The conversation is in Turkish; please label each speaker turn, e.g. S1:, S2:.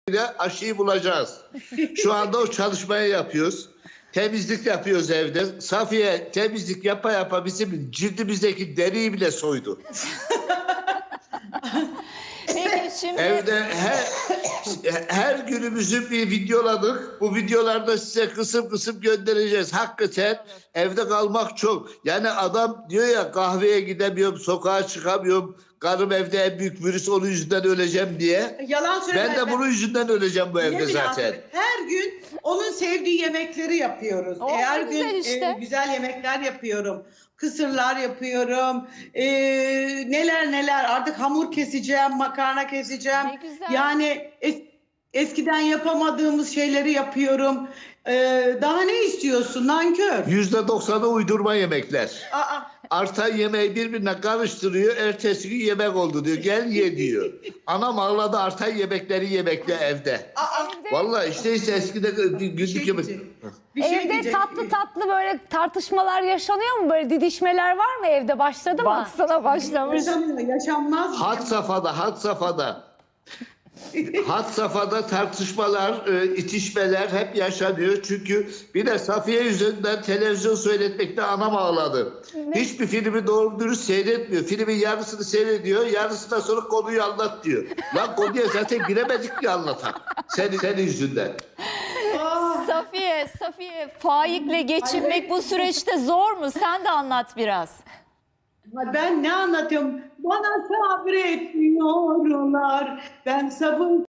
S1: aşıyı bulacağız. Şu anda o çalışmayı yapıyoruz. Temizlik yapıyoruz evde. Safiye temizlik yapa yapa bizim cildimizdeki deriyi bile soydu.
S2: Peki şimdi
S1: Evde her günümüzü bir videoladık. Bu videolarda size kısım kısım göndereceğiz. Hakikaten evde kalmak çok. Yani adam diyor ya, kahveye gidemiyorum, sokağa çıkamıyorum. Karım evde en büyük virüs, onun yüzünden öleceğim diye.
S3: Yalan söyleme.
S1: Ben de bunun yüzünden öleceğim bu evde zaten.
S3: Her gün onun sevdiği yemekleri yapıyoruz.
S2: Oh,
S3: Her
S2: ne güzel
S3: gün
S2: işte.
S3: güzel yemekler yapıyorum. Kısırlar yapıyorum. Neler neler. Artık hamur keseceğim, makarna keseceğim.
S2: Ne güzel.
S3: Yani eskiden yapamadığımız şeyleri yapıyorum. Daha ne istiyorsun nankör?
S1: %90'ı uydurma yemekler.
S3: Aa,
S1: Artan yemeği birbirine karıştırıyor. Ertesi gün yemek oldu diyor. Gel ye diyor. Anam ağladı, artan yemekleri yemekle evde.
S2: evde,
S1: Vallahi işte eskide günlük yemek.
S3: bir şey
S2: evde
S3: diyecek.
S2: tatlı böyle tartışmalar yaşanıyor mu? Böyle didişmeler var mı evde? Başladı mı? Baksana başlamış.
S3: Yaşanmaz mı?
S1: Had safhada. Had safhada tartışmalar, itişmeler hep yaşanıyor. Çünkü bir de Safiye yüzünden televizyon seyretmekte anam ağladı. Hiçbir filmi doğru dürüst seyretmiyor. Filmin yarısını seyrediyor, yarısından sonra konuyu anlat diyor. Lan konuya zaten giremedik ki anlatan. Senin yüzünden.
S2: Safiye, Faik'le geçinmek bu süreçte zor mu? Sen de anlat biraz.
S3: Ben ne anlatıyorum? Bana sabretmiyorlar. Ben sabır